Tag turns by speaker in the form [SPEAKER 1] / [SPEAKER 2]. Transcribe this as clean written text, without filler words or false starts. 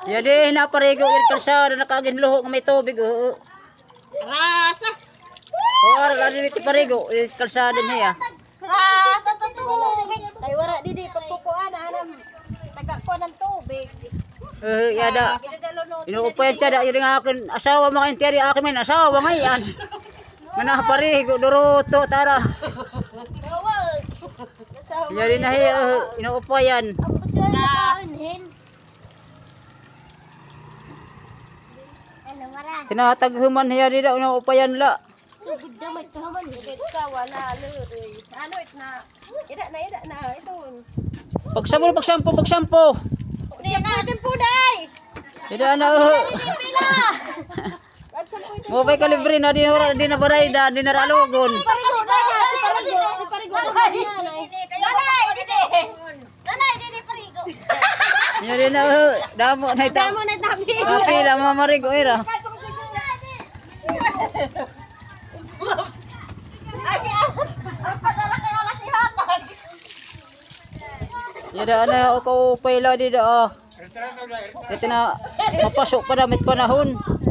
[SPEAKER 1] Jadi naparigo ir kalsada nakaginluho nga may tubig.
[SPEAKER 2] Rasa.
[SPEAKER 1] Ora lagi ti parigo ir kalsada niya.
[SPEAKER 2] Rasa to tubig. Kay wala didi pagkukuan anam tagakuan ng tubig.
[SPEAKER 1] Yada. Inuupayan siya da yung akin asawa mga intiyari akin may asawa ngayon. Nga parigo duruto tara. Jadi na inuupayan. Tinataghuman niya di daw inuupayan la.
[SPEAKER 2] Ano it na? Ida na ito.
[SPEAKER 1] Pagsampo.
[SPEAKER 2] Di natin po day.
[SPEAKER 1] Ida na. Mo bay kalibre na di na baray da di na ralogon.
[SPEAKER 2] Parigo na. Parigo. Nanay, didi parigo.
[SPEAKER 1] Nya di na damo na ita.
[SPEAKER 2] Damo na tabi.
[SPEAKER 1] Kapila mamarigo era.
[SPEAKER 2] Padala kay alas si Hatag.
[SPEAKER 1] Yada na ako payla di da. Ito na mapasok pa damit panahon.